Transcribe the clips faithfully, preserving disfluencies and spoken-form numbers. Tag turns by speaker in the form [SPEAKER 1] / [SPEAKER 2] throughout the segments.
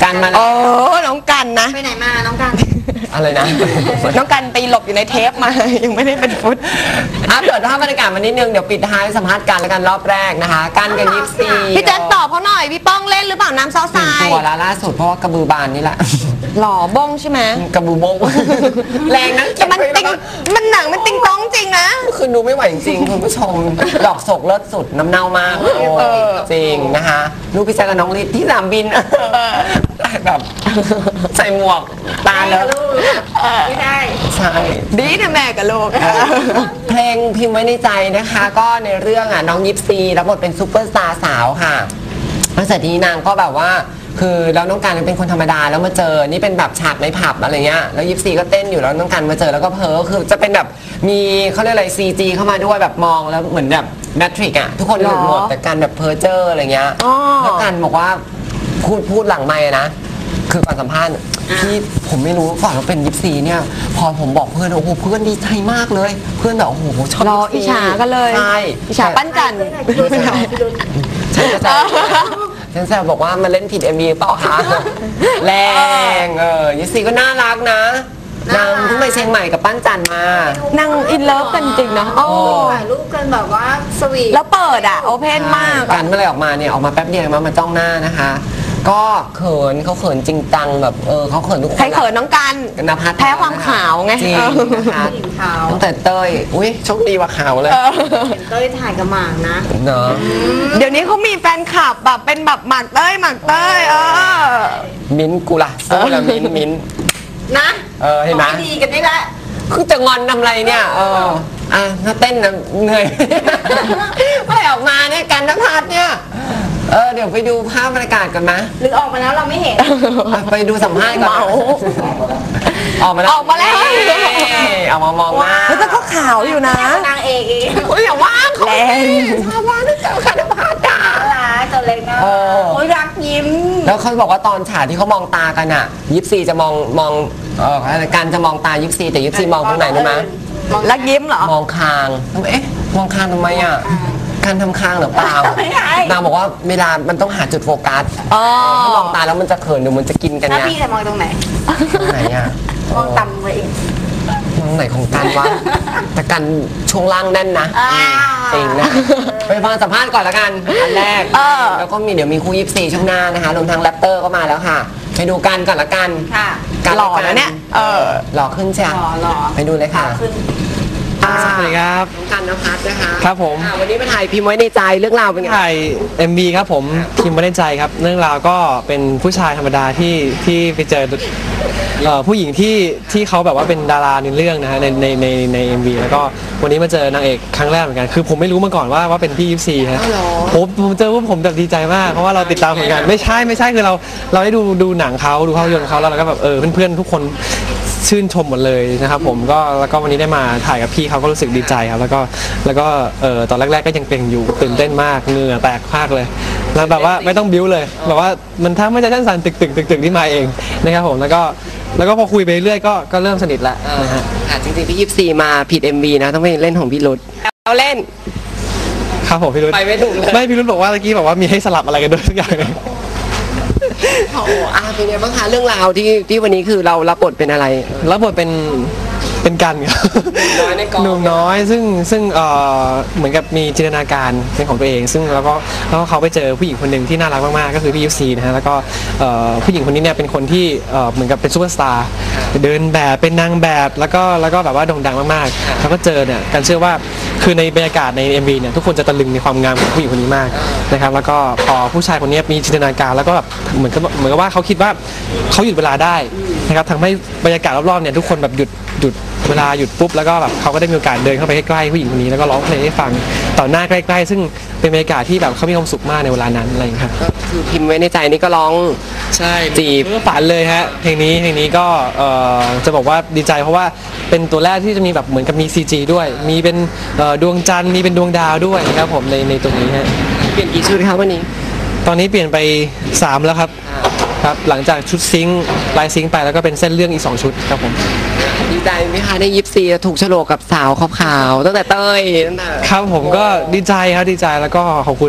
[SPEAKER 1] กันมาแล้ว
[SPEAKER 2] โอ้น้องกันนะ
[SPEAKER 3] ไปไหนมาน้องกัน
[SPEAKER 1] อะไรนะ
[SPEAKER 2] น้องกันไปหลบอยู่ในเทปมายังไม่ได้เป็นฟุต
[SPEAKER 1] อัปเดตภาพบรรยากาศมานิดนึงเดี๋ยวปิดท้ายสัมภาษณ์กันแล้วกันรอบแรกนะคะกันกันยิปซี
[SPEAKER 2] พี่แจ๊คตอบเขาหน่อยพี่ป้องเล่นหรือเปล่าน้ำซอสทราย
[SPEAKER 1] ตัวละล่าสุดเพราะว่ากระบือบานนี่แหละ
[SPEAKER 2] หล่อบงใช่ไหม
[SPEAKER 1] กระบือบงแรงนั้น
[SPEAKER 2] แต่มันติงมันหนังมันติงต้องจริงนะ
[SPEAKER 1] คือดูไม่ไหวจริงๆคุณผู้ชมดอกโศกเลิศสุดน้ำเน่ามากโอ้จริงนะคะลูกพี่แจ๊คกับน้องลิศที่สนามบินแบบใส่หมวกตาแล้ว
[SPEAKER 3] ไม่ได้
[SPEAKER 1] ใช่
[SPEAKER 2] ดีนะแม่กับลูก
[SPEAKER 1] เพลงพิมพ์ไว้ในใจนะคะ ก็ในเรื่องอ่ะน้องยิปซีรับบทเป็นซูเปอร์สตาร์สาวค่ะตั้งแต่ทีนี้นางก็แบบว่าคือแล้วน้องการเป็นคนธรรมดาแล้วมาเจอนี่เป็นแบบฉากในผับอะไรเงี้ยแล้วยิปซีก็เต้นอยู่แล้วน้องการมาเจอแล้วก็เพ้อคือจะเป็นแบบมีเขาเรียกอะไรซีจีเข้ามาด้วยแบบมองแล้วเหมือนแบบแมทริกอะทุกคนหลุดหมดแต่การแบบเพ้อเจออะไรเงี้ยแล้วการบอกว่าพูดพูดหลังไมค์นะคือก่อนสัมภาษณ์ที่ผมไม่รู้ก่อนว่าเป็นยิปซีเนี่ยพอผมบอกเพื่อนโอ้โหเพื่อนดีใจมากเลยเพื่อนแบบโอ้โหชอบ
[SPEAKER 2] รออิจฉากันเลย
[SPEAKER 1] ใช่
[SPEAKER 2] อิจฉาปั้นจันทร์
[SPEAKER 1] ใช่ใช่ฉันแซวบอกว่ามาเล่นผิด เอ็ม วี เปล่าคะแรงเออยิปซีก็น่ารักนะนางเพิ่งไปเชียงใหม่กับปั้นจันมา
[SPEAKER 2] นั่งอินเลิฟกันจริงนะโอ้
[SPEAKER 3] ถ่ายรูปกันแบบว่าสวีท
[SPEAKER 2] แล้วเปิดอ่ะโอเพนมาก
[SPEAKER 1] กันเมื่อไรออกมาเนี่ยออกมาแป๊บเดียวมามาจ้องหน้านะคะก็เขินเขาเขินจริงจังแบบเออเขาเขินทุกคน
[SPEAKER 2] ใครเขินน้องกัน
[SPEAKER 1] นภัส
[SPEAKER 2] แพ้ความขาวไง
[SPEAKER 1] จริงนะคะตั้งแต่เต้ยอุ้ยโชคดีว่าขาวเลย
[SPEAKER 3] เห็นเต้ยถ่ายกับหมากนะ
[SPEAKER 1] เนาะ
[SPEAKER 2] เดี๋ยวนี้เขามีแฟนคลับแบบเป็นแบบหมากเต้ยหมากเต้ยเออ
[SPEAKER 1] มิ้นกูล่ะสู้แล้วมิ้นมิ้น
[SPEAKER 3] นะ
[SPEAKER 1] เออเห็นไหม
[SPEAKER 3] ดีกันนี่แหละ
[SPEAKER 1] คือจะงอนทำไรเนี่ยเอออ่ะถ้าเต้นนะเหนื่อย ไม่ออกมาเนี่ยกันนภัสเนี่ยเออเดี๋ยวไปดูภาพบรรยากาศกันไหม
[SPEAKER 3] หรือออกมาแล้วเราไม่เห็น
[SPEAKER 1] ไปดูสัมภาษณ์ก่อนออกมาแล้ว
[SPEAKER 2] ออกมาแล้ว
[SPEAKER 1] ออกมามองหน้า
[SPEAKER 2] แล้วแต่ก็ขาวอยู่นะ
[SPEAKER 3] นางเอกอีก
[SPEAKER 1] โอ้ยอย่าว่าเขา
[SPEAKER 2] แรง
[SPEAKER 1] ชอบว่านะเจ้าค่ะนภัสด่า
[SPEAKER 3] รักตัวเล็กนะโอ้ยรักยิ้ม
[SPEAKER 1] แล้วเขาบอกว่าตอนฉากที่เขามองตากันอ่ะยิปซีจะมองมองเออการจะมองตายิปซีแต่ยิปซีมองตรงไหนรู้ไหม
[SPEAKER 2] รักยิ้มเหรอ
[SPEAKER 1] มองคางทำไมเอ๊ะมองคางทำไมอ่ะการทำคางหรือเปล่า
[SPEAKER 3] ไม่ใช่
[SPEAKER 1] นางบอกว่าเวลามันต้องหาจุดโฟกัส
[SPEAKER 2] อ๋อ
[SPEAKER 1] ถ้ามองตาแล้วมันจะเขินหรือมันจะกินกัน
[SPEAKER 3] แล้ว
[SPEAKER 1] เนี่ย
[SPEAKER 3] พี่จะมองตรงไหน
[SPEAKER 1] ตรงไหนอ่ะ
[SPEAKER 3] มองต่ำไปอีก
[SPEAKER 1] มองไหนของกันวะแต่กันช่วงล่างแน่นนะ
[SPEAKER 3] อ่า
[SPEAKER 1] จริงนะไปฟังสัมภาษณ์ก่อนละกันอันแรก
[SPEAKER 2] เออ
[SPEAKER 1] แล้วก็มีเดี๋ยวมีคู่ยิปซีช่วงหน้านะคะรวมทั้งแรปเตอร์ก็มาแล้วค่ะไปดูกันก่อนละกัน
[SPEAKER 3] ค่ะ
[SPEAKER 1] กัน
[SPEAKER 2] หล่อนะเนี่ยเออ
[SPEAKER 1] หล่อขึ้นใช่ไหม
[SPEAKER 3] หล่อหล่อ
[SPEAKER 1] ไปดูเลยค่ะ
[SPEAKER 3] ขึ้น
[SPEAKER 4] สวัสดีครับ
[SPEAKER 1] น้องกันนภัสนะคะ
[SPEAKER 4] ครับผม
[SPEAKER 1] อ่าวันนี้มาถ่ายพิมพ์ไว้ในใจเรื่องราวเป็นไง
[SPEAKER 4] ถ่าย เอ็ม วี ครับผมทีมไม่ได้ใจครับเรื่องราวก็เป็นผู้ชายธรรมดาที่ที่ไปเจอเอ่อผู้หญิงที่ที่เขาแบบว่าเป็นดาราในเรื่องนะฮะในในในใน เอ็ม วี แล้วก็วันนี้มาเจอนางเอกครั้งแรกเหมือนกันคือผมไม่รู้มาก่อนว่าว่าเป็นพี่ยิปซีฮะผมผมเจอว่าผมแบบดีใจมากเพราะว่าเราติดตามผลงานไม่ใช่ไม่ใช่คือเราเราได้ดูดูหนังเขาดูภาพยนตร์เขาแล้วเราก็แบบเออเพื่อนๆทุกคนชื่นชมหมดเลยนะครับผมก็แล้วก็วันนี้ได้มาถ่ายกับพี่เขาก็รู้สึกดีใจครับแล้วก็แล้วก็เออตอนแรกๆก็ยังเกรงอยู่ตื่นเต้นมากเหงื่อแตกมากเลยแล้วแบบว่าไม่ต้องบิ้วเลยแบบว่ามันถ้าไม่ใช่ชั้นสันตึกตึกตึกตึกที่มาเองนะครับผมแล้วก็แล้วก็พอคุยไปเรื่อยก็ก็เริ่มสนิทแล้วนะฮะ
[SPEAKER 1] อ่ะจริงๆพี่ยิปซีมาผิด เอ็ม วี นะต้องไปเล่นของพี่รุดเราเล่น
[SPEAKER 4] ครับผมพี่รุ่น
[SPEAKER 1] ไปไม่ถูกเลย
[SPEAKER 4] ไม่พี่รุ่นบอกว่าเมื่อกี้บอกว่ามีให้สลับอะไรกันด้วยทุกอย่างเลย
[SPEAKER 1] โอ้โหอ่ะเป็นไงบ้างคะเรื่องราวที่ที่วันนี้คือเรารับบทเป็นอะไร
[SPEAKER 4] แล้วบทเป็นเป็นกันครับ
[SPEAKER 1] หนุ่มน้อยในกอง
[SPEAKER 4] หนุ่มน้อยซึ่งซึ่งเอ่อเหมือนกับมีจินตนาการเป็นของตัวเอง ซึ่งแล้วก็แล้วก็เขาไปเจอผู้หญิงคนหนึ่งที่น่ารักมากๆก็คือพี่ยูซีนะฮะแล้วก็เอ่อผู้หญิงคนนี้เนี่ยเป็นคนที่เอ่อเหมือนกับเป็นซูเปอร์สตาร์เดินแบบเป็นนางแบบแล้วก็แล้วก็แบบว่าโด่งดังมากๆเขาก็เจอเนี่ยกันเชื่อว่าคือในบรรยากาศใน เอ็ม วี เนี่ยทุกคนจะตะลึงในความงามของผู้หญิงคนนี้มากนะครับแล้วก็พอผู้ชายคนนี้มีจินตนาการแล้วก็แบบเหมือนกับเหมือนกับว่าเขาคิดว่าเขาหยุดเวลาได้นะครับทำให้บรรยากาศรอบๆเนี่ยทุกคนแบบหยุดหยุดเวลาหยุดปุ๊บแล้วก็แบบเขาก็ได้มีโอกาสเดินเข้าไปใกล้ๆผู้หญิงคนนี้แล้วก็ร้องเพลงให้ฟังต่อหน้าใกล้ๆซึ่งเป็นบรรยากาศที่แบบเขามีความสุขมากในเวลานั้นอะไรอย่างเงี้ยครับ
[SPEAKER 1] ก็คือพิมพ์ไว้ในใจนี่ก็ร้อง
[SPEAKER 4] ใช่
[SPEAKER 1] จีบ
[SPEAKER 4] เพื่อฝันเลยฮะเพลงนี้เพลงนี้ก็เอ่อจะบอกว่าดีใจเพราะว่าเป็นตัวแรกที่จะมีแบบเหมือนกับมี ซี จี ด้วย มีเป็นเอ่อดวงจันทร์มีเป็นดวงดาวด้วยนะครับผมในในตรงนี้ฮะ
[SPEAKER 1] เปลี่ยนกี่ชุดครับวันนี้
[SPEAKER 4] ตอนนี้เปลี่ยนไปสามแล้วครับครับหลังจากชุดซิงค์ลายซิงค์ไปแล้วก็เป็นเส้นเรื่องอีกสองชุดครับผม
[SPEAKER 1] ดีใจไหมคะได้ยิปซีถูกโฉลกกับสาวขาวๆตั้งแต่เต้ยตั้งแต่
[SPEAKER 4] ครับผมก็ดีใจครับดีใจแล้วก็ขอบคุณ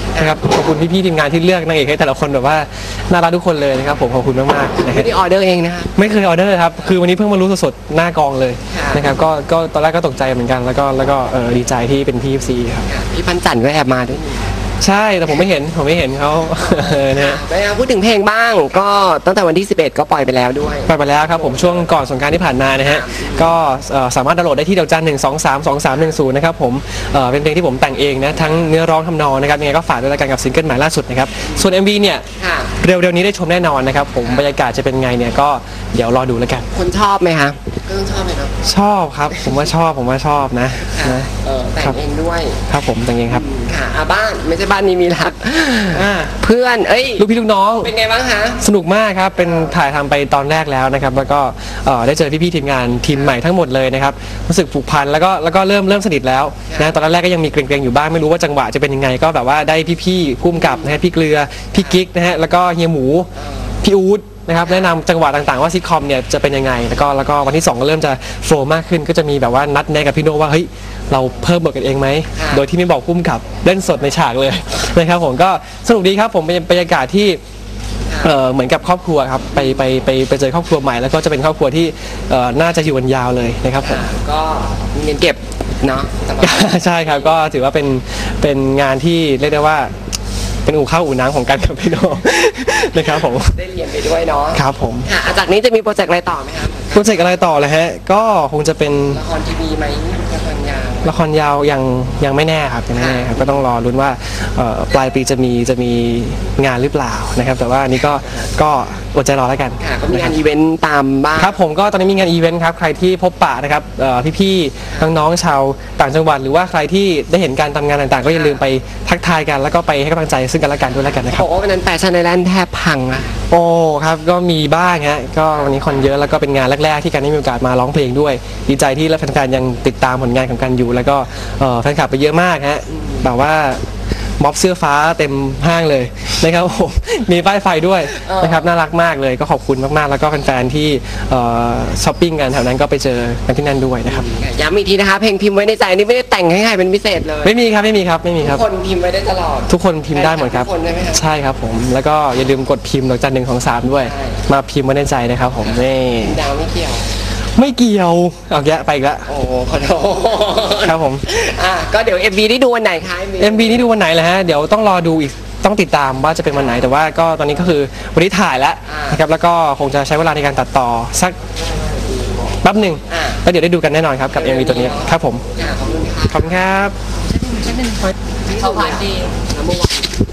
[SPEAKER 4] นะครับขอบคุณพี่ๆทีมงานที่เลือกนางเอกให้แต่ละคนแบบว่าน่ารักทุกคนเลยนะครับผมขอบคุณมากๆนะครั
[SPEAKER 1] ไม่
[SPEAKER 4] บ
[SPEAKER 1] ได้ออเดอร์เองนะคะ
[SPEAKER 4] ไม่เคยออเดอร์ครับคือวันนี้เพิ่งมารู้สดๆหน้ากองเลย
[SPEAKER 1] ค่ะ
[SPEAKER 4] นะครับก็ก็ตอนแรกก็ตกใจเหมือนกันแล้วก็แล้วก็เออดีใจที่เป็นพี่ เอฟ ซีครับ
[SPEAKER 1] พี่พันจันทร์ก็แอบมาด้วย
[SPEAKER 4] ใช่แต่ผมไม่เห็นผมไม่เห็นเขา เออนะฮะ
[SPEAKER 1] ไปเอาพูดถึงเพลงบ้าง ก็ตั้งแต่วันที่สิบเอ็ดก็ปล่อยไปแล้วด้วย
[SPEAKER 4] ไปไปแล้วครับผมช่วงก่อนสงกรานต์ที่ผ่านมานะฮะก็เอ่อสามารถดาวน์โหลดได้ที่ดอกจันหนึ่งสองสามสองสามหนึ่งศูนย์นะครับผมเอ่อเป็นเพลงที่ผมแต่งเองนะทั้งเนื้อร้องทำนองนะครับยังไงก็ฝากด้วยละกันกับซิงเกิลใหม่ล่าสุดนะครับส่วน เอ็ม วี เนี่ย
[SPEAKER 1] ค่ะ
[SPEAKER 4] เร็วๆนี้ได้ชมแน่นอนนะครับผมบรรยากาศจะเป็นไงเนี่ยก็เดี๋ยวรอดูแล้วกัน
[SPEAKER 1] คนชอบไหมคะก็ต้องชอบไหมครับ
[SPEAKER 4] ชอบครับผมว่าชอบผมว่าชอบนะ
[SPEAKER 1] ค่ะ
[SPEAKER 4] นะ
[SPEAKER 1] เออแต่งเองด้วย
[SPEAKER 4] ครับผมแต่งเองครับ
[SPEAKER 1] ค่ะอ่ะบ้านไม่ใช่บ้านนี้มีรัก
[SPEAKER 4] อ่า
[SPEAKER 1] เพื่อนเอ้ย
[SPEAKER 4] ลูกพี่ลูกน้อง
[SPEAKER 1] เป็นไงบ้างคะ
[SPEAKER 4] สนุกมากครับเป็นถ่ายทำไปตอนแรกแล้วนะครับแล้วก็เอ่อได้เจอพี่ๆทีมงานทีมใหม่ทั้งหมดเลยนะครับรู้สึกผูกพันแล้วก็แล้วก็เริ่มเริ่มสนิทแล้วนะตอนแรกก็ยังมีเกรงๆอยู่บ้างไม่รู้ว่าจังหวะจะเป็นยังไงก็แบบว่าได้พี่ๆพุ่มกับนะฮะพี่เกลือพี่กิ๊กนะฮะแล้วก็เฮียหมูพี่อู๊ดนะครับแนะนำจังหวะต่างๆว่าซิทคอมเนี่ยจะเป็นยังไงแล้วก็แล้วก็วันที่สองก็เริ่มจะโฟล์มากขึ้นก็จะมีแบบว่านัดแนะกับพี่โน่ว่าเฮ้ยเราเพิ่มบทกันเองไหมโดยที่ไม่บอกพุ่มกับเล่นสดในฉากเลย นะครับผมก็สนุกดีครับผมเป็นบรรยากาศที่เอ่อเหมือนกับครอบครัวครับไปไปไปไปเจอครอบครัวใหม่แล้วก็จะเป็นครอบครัวที่เอ่อน่าจะอยู่กันยาวเลยนะครับผม
[SPEAKER 1] ก็มีเงินเก็บเนาะสบาย
[SPEAKER 4] ใช่ครับก็ถือว่าเป็นเป็นงานที่เรียกได้ว่าเป็นอู่ข้าวอู่น้ำของกันกับพี่โน นะครับผม
[SPEAKER 1] ได้เรียนไปด้วยเนาะ
[SPEAKER 4] ครับผม
[SPEAKER 1] ค่ะอ่ะจากนี้จะมีโปรเจกต์อะไรต่อไหมคะ
[SPEAKER 4] โปรเจกต์อะไรต่อเลยฮะก็คงจะเป็น
[SPEAKER 1] ละครทีวีไหมละครยาว
[SPEAKER 4] ละครยาวยังยังไม่แน่ครับยังไม่แน่ครับก็ต้องรอลุ้นว่าเอ่อปลายปีจะมีจะมีงานหรือเปล่านะครับแต่ว่าอันนี้ก็ก็อดใจรอแล้วกัน
[SPEAKER 1] ค่ะก็มีงานอีเวนต์ตามบ้าง
[SPEAKER 4] ครับผมก็ตอนนี้มีงานอีเวนต์ครับใครที่พบปะนะครับเอ่อพี่ๆน้องๆชาวต่างจังหวัดหรือว่าใครที่ได้เห็นการทำงานต่างๆ ก็อย่าลืมไปทักทายกันแล้วก็ไปให้กำลังใจซึ่งกันและกันด้วยแล้วกันนะครับ
[SPEAKER 1] บอกว่าวันนั้นแฟชั่นไอแลนด์แทบพังอะ
[SPEAKER 4] โอ้ครับก็มีบ้างฮะก็วันนี้คนเยอะแล้วก็เป็นงานแรกๆที่การได้มีโอกาสมาร้องเพลงด้วย ดีใจที่แฟนๆยังติดตามผลงานของกันอยู่ แล้วก็เอ่อแฟนคลับไปเยอะมากฮะแบบว่าม็อบเสื้อฟ้าเต็มห้างเลยนะครับผม มีป้ายไฟด้วยนะครับน่ารักมากเลยก็ขอบคุณมากๆแล้วก็แฟนๆที่เอ่อช้อปปิ้งกันแถวนั้นก็ไปเจอกันที่นั่นด้วยนะครับ
[SPEAKER 1] ย้ำอีกทีนะคะ เพลงพิมพ์ไว้ในใจนี่ไม่ได้แต่งให้ใครเป็นพิเศษเลย
[SPEAKER 4] ไม่มีครับไม่มีครับไม่มีครับ
[SPEAKER 1] ทุกคนพิมพ์ไว้ได้ตลอด
[SPEAKER 4] ทุกคนพิมพ์ได้หมดครับ
[SPEAKER 1] ทุกคนได้ไหมครับ
[SPEAKER 4] ใช่ครับผมแล้วก็อย่าลืมกดพิมพ์ดอกจันหนึ่งของสามด้วย
[SPEAKER 1] ใช่
[SPEAKER 4] มาพิมพ์ไว้ในใจนะครับผมนี่
[SPEAKER 1] ดาวไม่เกี่ยว
[SPEAKER 4] ไม่เกี่ยวเอาแยะไปอีกแล้ว
[SPEAKER 1] โอ้โหขอโทษ
[SPEAKER 4] ครับผม
[SPEAKER 1] อ่ะก็เดี๋ยว เอ็ม วี ได้ดูวันไหนคะ
[SPEAKER 4] เอ็ม วี นี่ดูวันไหนเลยฮะ เดี๋ยวต้องรอดูอีก ต้องติดตามว่าจะเป็นวันไหน แต่ว่าก็ตอนนี้ก็คือวันนี้ถ่ายแล้วนะครับ แล้วก็คงจะใช้เวลาในการตัดต่อสักแป๊บหนึ่งแล้วเดี๋ยวได้ดูกันแน่นอนครับกับ เอ็ม วี ตัวนี้ครับผม
[SPEAKER 1] ค่ะขอบคุณค่ะ
[SPEAKER 4] ขอบคุณครับ
[SPEAKER 1] เขาผ่านดีแล้วเมื่อวาน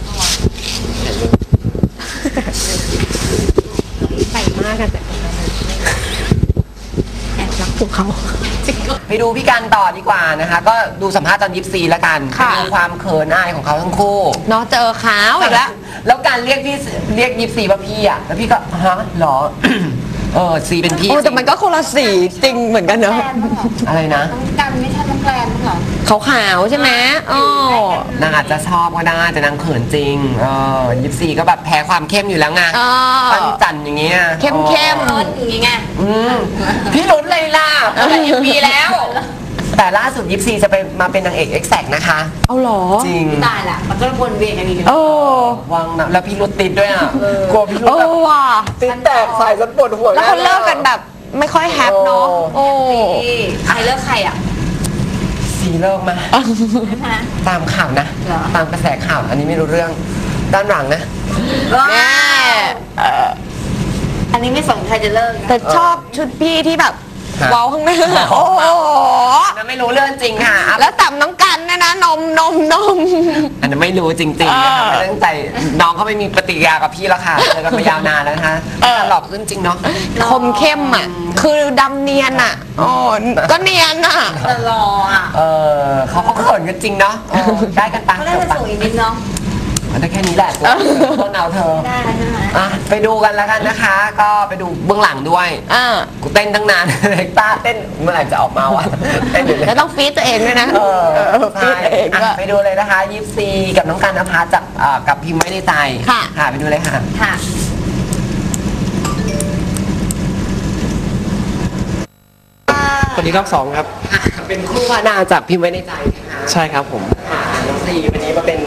[SPEAKER 2] ใส่มากกันแต่แอบรักพวกเขา
[SPEAKER 1] ไปดูพี่กันต่อดีกว่านะคะ ก็ดูสัมภาษณ์ตอนยิปซีแล้วกัน
[SPEAKER 2] ค่ะ
[SPEAKER 1] ดูความเขินอายของเขาทั้งคู่
[SPEAKER 2] เนาะเจอขาวอีกแล้ว
[SPEAKER 1] แล้วการเรียกพี่เรียกยิปซีว่าพี่อ่ะแล้วพี่ก็ฮะเหรอ เออซีเป็นพี่
[SPEAKER 2] โอ้แต่มันก็คนละสีจริงเหมือนกันเนอะ
[SPEAKER 3] แกลนบ้างเหรอ
[SPEAKER 1] อะไรนะ
[SPEAKER 3] น้องกันไม่ใช่น้องแกลนบ้างเหรอ
[SPEAKER 2] ขาวๆใช่ไหมอ๋อน
[SPEAKER 1] างอาจจะชอบก็ได้แต่นางเขินจริงเออยิปซีก็แบบแพ้ความเข้มอยู่แล้วไง
[SPEAKER 2] อ๋อ
[SPEAKER 1] ปั้นจันอย่างเงี้ย
[SPEAKER 2] เข้มเข้ม
[SPEAKER 3] เอิร์ธอย่างงี้ไง
[SPEAKER 1] อืมพี่ลุ้นเลยล่ะตั้งแต่ยิปซีแล้ว แต่ล่าสุดยิปซีจะไปมาเป็นนางเอกเอ็กแซกนะคะ
[SPEAKER 2] เอาเหรอ
[SPEAKER 1] จริง
[SPEAKER 3] ตายละมันก็วนเวียนกันอีก
[SPEAKER 2] โอ้
[SPEAKER 1] วังนะแล้วพี่รุดติดด้วยอ่ะกลัวพี่รุด
[SPEAKER 2] โอ้
[SPEAKER 1] แบบ
[SPEAKER 2] ว่ะ
[SPEAKER 1] ติดแตกใส่จนปวดหัว
[SPEAKER 2] แล้วเขาเลิกกันแบบไม่ค่อยแฮปเนาะโอ้
[SPEAKER 3] ใครเลิกใครอ่ะ
[SPEAKER 1] ซีเลิกมา
[SPEAKER 3] ฮะ
[SPEAKER 1] ตามข่าวนะ
[SPEAKER 3] เหรอ
[SPEAKER 1] ตามกระแสข่าวอันนี้ไม่รู้เรื่องด้านหลังนะ
[SPEAKER 2] แม่เอ่อ
[SPEAKER 3] อันนี้ไม่สนใครจะเลิก
[SPEAKER 2] แต่ชอบชุดพี่ที่แบบ
[SPEAKER 1] ฮะ
[SPEAKER 2] เว้าข้างหน้าโอ้โห
[SPEAKER 1] อันนั้นไม่รู้เรื่องจริงค่ะอ่ะ
[SPEAKER 2] แล้วต่ำน้องกันเนะนะนมนมนม
[SPEAKER 1] อันนั้นไม่รู้จริงๆนะคะ
[SPEAKER 2] เออ
[SPEAKER 1] ไม่ตั้งใจน้องเขาไม่มีปฏิกิริยากับพี่แล้วค่ะเจอกันมายาวนานแล้วนะคะ
[SPEAKER 2] เออ
[SPEAKER 1] หลอกขึ้นจริงเนาะ
[SPEAKER 2] คมเข้มอ่ะ คือดำเนียนอ่ะโอ้ก็เนียนอ่ะ
[SPEAKER 3] แต่รออ่ะ
[SPEAKER 1] เออเขาก็เขินกันจริงเนาะเออได้กันปะ
[SPEAKER 3] เขาน่า
[SPEAKER 1] จบ
[SPEAKER 3] จะ
[SPEAKER 1] ปะ
[SPEAKER 3] สวยนิดเนาะ
[SPEAKER 1] มันได้แค่นี้แหละต้นเอาเธอ
[SPEAKER 3] ได้ใช่ไหม
[SPEAKER 1] อ่ะไปดูกันแล้วกันนะคะ ก็ไปดูเบื้องหลังด้วย
[SPEAKER 2] อ่า
[SPEAKER 1] กูเต้นตั้งนาน เล็กต้าเต้นเมื่อไหร่จะออกมาวะเต้นอยู่เลย
[SPEAKER 2] แล้วต้องฟีดตัวเองด้วยนะ
[SPEAKER 1] เออ
[SPEAKER 2] เออฟี
[SPEAKER 1] ใช่
[SPEAKER 2] ดตัวเอง
[SPEAKER 1] อ่ะ
[SPEAKER 2] ด้วย
[SPEAKER 1] ไปดูเลยนะคะยิปซีกับน้องกันนภัสจากเอ่อกับพิมพ์ไว้ในใจ
[SPEAKER 2] ค่ะ
[SPEAKER 1] ค่ะไปดูเลยค่ะ
[SPEAKER 3] ค่ะ
[SPEAKER 4] สวัสดีรอบสองครับ
[SPEAKER 1] เป็นคู่พระนางจากพิมพ์ไว้ในใจนะคะ
[SPEAKER 4] ใช่ครับผม
[SPEAKER 1] ค่ะน้องซีวันนี้มาเป็นนาง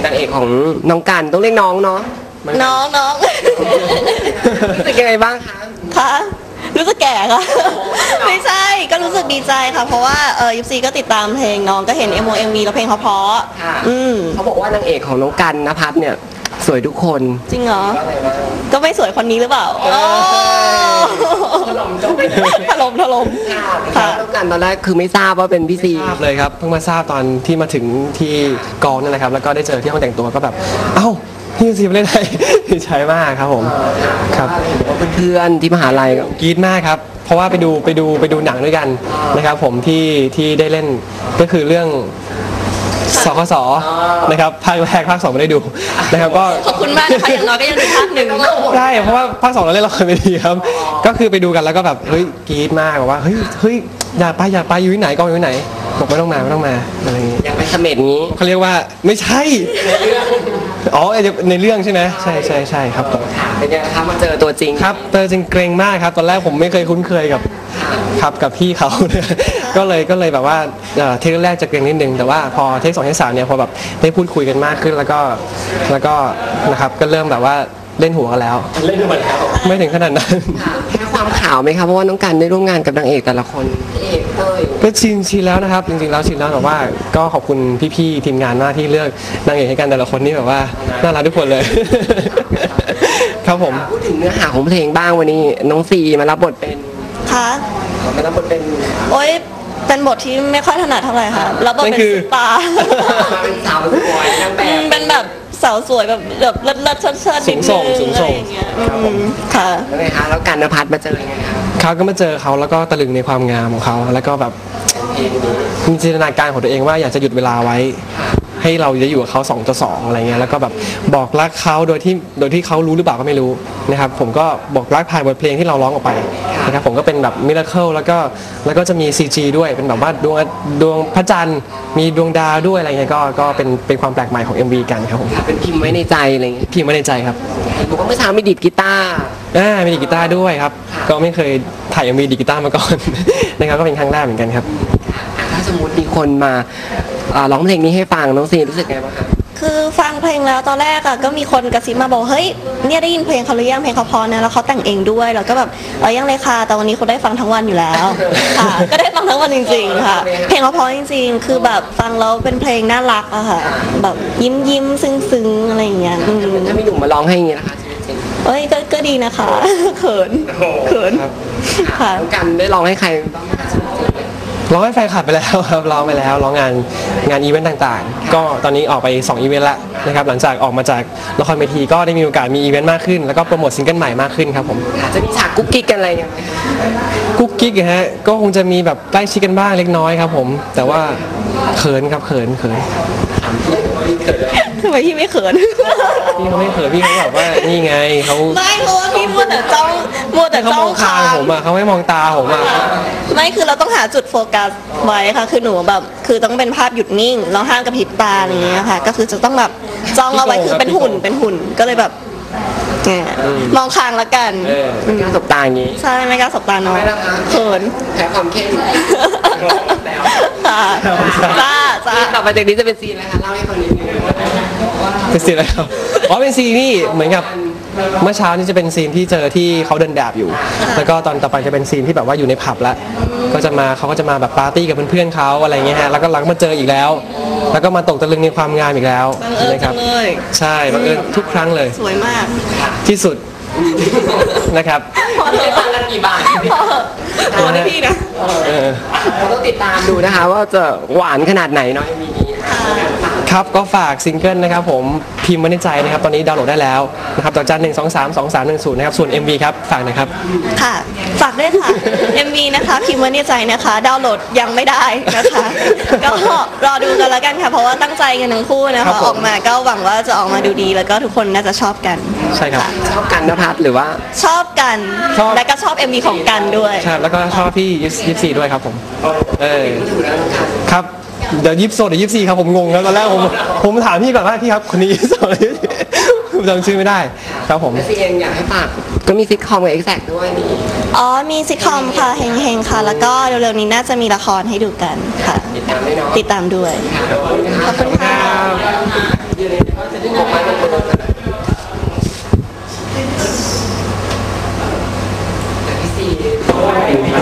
[SPEAKER 1] างเอกของน้องกันต้องเรียกน้องเนาะ
[SPEAKER 2] น้องน้อง
[SPEAKER 1] รู้สึกยังไงบ้างคะ
[SPEAKER 2] คะรู้สึกแก่ค่ะ ไม่ใช่ก็รู้สึกดีใจค่ะ เพราะว่าเออยิปซีก็ติดตามเพลงน้องก็เห็นเอ็มโอเอ็มวีแล้วเพลงเขาเพราะ
[SPEAKER 1] ค่ะ
[SPEAKER 2] อืม
[SPEAKER 1] เขาบอกว่านางเอกของน้องกันนภัสเนี่ยสวยทุกคน
[SPEAKER 2] จริงเหรอ ก็ไม่สวยคนนี้หรือเปล่าโอ้
[SPEAKER 1] ถล่มจบ
[SPEAKER 2] ถล่มถล่ม
[SPEAKER 1] ค่ะ
[SPEAKER 2] ค่ะ
[SPEAKER 1] น้องกันตอนแรกคือไม่ทราบว่าเป็นพี่ซี
[SPEAKER 4] ทราบเลยครับเพิ่งมาทราบตอนที่มาถึงที่กองนั่นแหละครับแล้วก็ได้เจอที่ห้องแต่งตัวก็แบบเอ้าพี่ซีมาเล่นไง ดีใจมากครับผมครับ
[SPEAKER 1] เพื่อนๆที่มหาลัยก็
[SPEAKER 4] กรี๊ดมากครับเพราะว่าไปดูไปดูไปดูหนังด้วยกันนะครับผมที่ที่ได้เล่นก็คือเรื่องสคสนะครับภาคแรกภาคสองไม่ได้ดูนะครับก็
[SPEAKER 2] ขอบคุณมากนะคะอย่างน้อยก็ยังดูภาคหนึ่ง
[SPEAKER 4] ใช่เพราะว่าภาคสองเราเล่นละครเวทีครับก็คือไปดูกันแล้วก็แบบเฮ้ยกรี๊ดมากบอกว่าเฮ้ยเฮ้ยอย่าไปอย่าไปอยู่ที่ไหนกองอยู่ที่ไหนบอกไม่ต้องมาไม่ต้องมาอะไรอย่างงี้
[SPEAKER 1] ยังไปเสม็ดงี้
[SPEAKER 4] เขาเรียกว่าไม่ใช่อ๋อในเรื่องใช่ไหมใช่ใช่ใช่ครับผม
[SPEAKER 1] เป็นยังไงคะมาเจอตัวจริง
[SPEAKER 4] ครับเตอจริงเกรงมากครับตอนแรกผมไม่เคยคุ้นเคยกับครับกับพี่เขา ก็เลยก็เลยแบบว่าเอ่อเทคแรกจะเกรงนิดนึงแต่ว่าพอเทคสองเทคสามเนี่ยพอแบบได้พูดคุยกันมากขึ้นแล้วก็แล้วก็นะครับก็เริ่มแบบว่าเล่นหัวกันแล้วเล่นหัวแล้วไม่ถึงขนาดนั้น
[SPEAKER 1] แค่ความข่าวไหมคะเพราะว่าน้องกันได้ร่วมงานกับนางเอกแต่ละคนพี่เอกเต้ย
[SPEAKER 4] ก็ชินชินแล้วนะครับจริงๆแล้วชินแล้วแต่ว่าก็ขอบคุณพี่ๆทีมงานมากที่เลือกนางเอกให้กันแต่ละคนนี่แบบว่าน่ารักทุกคนเลย ครับผม
[SPEAKER 1] พูดถึงเนื้อหาของเพลงบ้างวันนี้น้องซีมารับบทเป็น
[SPEAKER 2] ค่ะ
[SPEAKER 1] มารับบทเป็น
[SPEAKER 2] โอ๊ยเป็นบทที่ไม่ค่อยถนัดเท่าไหร่ค่ะแล้วบท
[SPEAKER 4] นั่
[SPEAKER 2] เป็น
[SPEAKER 4] นคือ
[SPEAKER 2] ซุปตา
[SPEAKER 1] มาเป็นสาวสวยนางแบ
[SPEAKER 2] อื
[SPEAKER 1] บ
[SPEAKER 2] มเป็นแบบสาวสวยแบบแบบเลิศเลิศเชิดเชิดนิด
[SPEAKER 4] สูงส่
[SPEAKER 2] นึ
[SPEAKER 4] ง
[SPEAKER 2] ง
[SPEAKER 4] สูงส่ง
[SPEAKER 2] อะไรอย่างเงี้ยอืมค่ะ
[SPEAKER 1] แล้วไงคะแล้วกันนภัสมาเจอยังไงคะ
[SPEAKER 4] เขาก็มาเจอเขาแล้วก็ตะลึงในความงามของเขาแล้วก็แบบมีจินตนาการของตัวเองว่าอยากจะหยุดเวลาไว้ ให้เราจะอยู่กับเขาสองต่อสองอะไรเงี้ยแล้วก็แบบบอกรักเขาโดยที่โดยที่เขารู้หรือเปล่าก็ไม่รู้นะครับผมก็บอกรักผ่านบทเพลงที่เราร้องออกไปนะครับผมก็เป็นแบบมิราเคิลแล้วก็แล้วก็จะมี ซี จี ด้วยเป็นแบบว่าดวงดวงพระจันทร์มีดวงดาวด้วยอะไรเงี้ยก็ก็เป็นเป็นความแปลกใหม่ของ เอ็ม วี กันครับผม
[SPEAKER 1] เป็นพิมพ์ไว้ในใจอะไรอย่างเงี้ย
[SPEAKER 4] พิมพ์ไว้ในใจครับ
[SPEAKER 1] บอกว่าเมื่อเช้ามีดีดกีตาร์
[SPEAKER 4] อ่ามีดีดกีตาร์ด้วยครับก็ไม่เคยถ่าย เอ็ม วี ดีดกีตาร์มาก่อน นะครับก็เป็นครั้งแรกเหมือนกันครับ
[SPEAKER 1] ถ้าสมมติมีคนมาอ่าร้องเพลงนี้ให้ฟังน้องซีรู้สึกไงบ้างคะ
[SPEAKER 2] คือฟังเพลงแล้วตอนแรกอะก็มีคนกระซิบมาบอกเฮ้ยเนี่ยได้ยินเพลงเขาหรือยังเพลงเขาเพอนะแล้วเขาแต่งเองด้วยแล้วก็แบบเออยังเลยค่ะแต่วันนี้เขาได้ฟังทั้งวันอยู่แล้ว ค่ะ ก็ได้ฟังทั้งวันจริงๆค่ะ เพลงเขาเพอจริงๆ คือแบบฟังแล้วเป็นเพลงน่ารักอะค่ะแบบยิ้มยิ้มๆซึ้งซึ้งๆอะไรอย่างเงี้ยอืม
[SPEAKER 1] ถ้ามีหนุ่มมาร้องให้อย่างเงี้ยนะคะชีวิตจริง
[SPEAKER 2] เอ้ยก็ก็ดีนะคะ เขินเขิน
[SPEAKER 4] ครับ
[SPEAKER 2] ค่ะ
[SPEAKER 1] น้องกันได้ร้องให้ใครบ้างไหมคะชีวิตจริง
[SPEAKER 4] ร้องให้แฟนคลับไปแล้วครับร้องไปแล้วร้องงานงานอีเวนต์ต่างๆ ก็ตอนนี้ออกไปสองอีเวนต์แล้วนะครับหลังจากออกมาจากละครเวทีก็ได้มีโอกาสมีอีเวนต์มากขึ้นแล้วก็โปรโมทซิงเกิลใหม่มากขึ้นครับผม
[SPEAKER 1] อาจจะมีฉากกุ๊กกิ๊กกันอะไรอย่างเงี้ย
[SPEAKER 4] กุ๊กกิ๊กฮะก็คงจะมีแบบใกล้ชิดกันบ้างเล็กน้อยครับผมแต่ว่าเขินครับเขินเขิน
[SPEAKER 2] ทำไมพี่ไม่เขิน
[SPEAKER 4] พี่เขาไม่เขินพี่เขาแบบว่านี่ไงเขา
[SPEAKER 2] ไม่เพราะว่าพี่มัวแต่จ้องมัวแต่
[SPEAKER 4] เขา
[SPEAKER 2] จ้
[SPEAKER 4] ม
[SPEAKER 2] อ
[SPEAKER 4] อง งคางผมอ่ะเขาไม่มองตาผมอ่ะ
[SPEAKER 2] ไม่คือเราต้องหาจุดโฟกัสไว้ค่ะ คือหนูแบบคือต้องเป็นภาพหยุดนิ่งเราห้ามกระพริบตาอย่างเงี้ยค่ะ ก็คือจะต้องแบบจ้องเอาไว้คือเป็นหุ่นเป็นหุ่นก็เลยแบบเนี่ยมองคางละกัน
[SPEAKER 4] เออ
[SPEAKER 1] เป็นการสบตาอย่างงี้
[SPEAKER 2] ใช่ไม่กล้าสบตาน้อง
[SPEAKER 1] ไม่นะคะ
[SPEAKER 2] เขิน
[SPEAKER 1] แพ้ความเข้ม
[SPEAKER 2] ค่ะจ้าจ้า
[SPEAKER 1] ต่อไปจากนี้จะเป็นซีนอะไรคะเล่าให้ฟังนิดนึง
[SPEAKER 4] เป็นซีนอะไรครับอ๋อเป็นซีนที่เหมือนกับเมื่อเช้านี่จะเป็นซีนที่เจอที่เขาเดินดาบอยู่ แล้วก็ตอนต่อไปจะเป็นซีนที่แบบว่าอยู่ในผับแล้วก็จะมาเขาก็จะมาแบบปาร์ตี้กับเพื่อนๆเขาอะไรเงี้ยฮะแล้วก็หลังมาเจออีกแล้ว แล้วก็มาตกตะลึงในความงามอีกแล้ว
[SPEAKER 2] บังเอิญ
[SPEAKER 4] นะค
[SPEAKER 2] จั
[SPEAKER 4] รับ
[SPEAKER 2] งเลย
[SPEAKER 4] ใช่บังเอิญทุกครั้งเลย
[SPEAKER 2] สวยมาก
[SPEAKER 4] ที่สุด นะครับ
[SPEAKER 2] พอเถ
[SPEAKER 1] ได้
[SPEAKER 2] อะ
[SPEAKER 1] ฟังกันกี่บาท
[SPEAKER 2] พอเถอะพอได้พี่นะ
[SPEAKER 4] เออ
[SPEAKER 1] เราต้องติดตามดูนะคะ ว่าจะหวานขนาดไหนเนาะมีนี้
[SPEAKER 4] ครับก็ฝากซิงเกิลนะครับผมพิมพ์ไว้ในใจนะครับตอนนี้ดาวน์โหลดได้แล้วนะครับต่อจันหนึ่งสองสามสองสามหนึ่งศูนย์นะครับส่วน เอ็ม วี ครับฝากหนะครับ
[SPEAKER 2] ค่ะ ฝากด้วยค่ะ เอ็ม วี นะคะ พิมพ์ไว้ในใจนะคะ ดาวน์โหลดยังไม่ได้นะคะ ก็รอดูกันแล้วกันค่ะ เพราะว่าตั้งใจกันทั้งคู่นะ
[SPEAKER 4] ครั
[SPEAKER 2] คะ
[SPEAKER 4] บผม
[SPEAKER 2] ออกมาก็หวังว่าจะออกมาดูดี แล้วก็ทุกคนน่าจะชอบกัน
[SPEAKER 4] ใช่ครับ
[SPEAKER 1] ชอบกันนภัสหรือว่า
[SPEAKER 2] ชอบกัน
[SPEAKER 4] ชอบ
[SPEAKER 2] และก็ชอบ เอ็ม วี ของกันด้วย
[SPEAKER 4] ใช่แล้วก็ชอบพี่ยิปซีด้วยครับผมเออครับเดี๋ยวยิปโซเดี๋ยวยิปซีครับผมงงครับตอนแรกผมผมถามพี่ก่อนว่าพี่ครับคนนี้ยิปโซจำชื่อไม่ได้ครับผม
[SPEAKER 1] แล้วซีเองอยากให้ฝากก็มีซิทคอมกับเอ็กแซกด้วยนี่
[SPEAKER 2] อ๋อมีซิทคอมค่ะเฮงๆค่ะ แล้วก็เร็วๆนี้น่าจะมีละครให้ดูกันค่ะ
[SPEAKER 1] ติดตามด้วยเนาะ
[SPEAKER 2] ติดตามด้วย ขอบคุณค่ะ
[SPEAKER 1] อยู่ในก็จะได้บอกมาเป็นคนแต่พี่ซี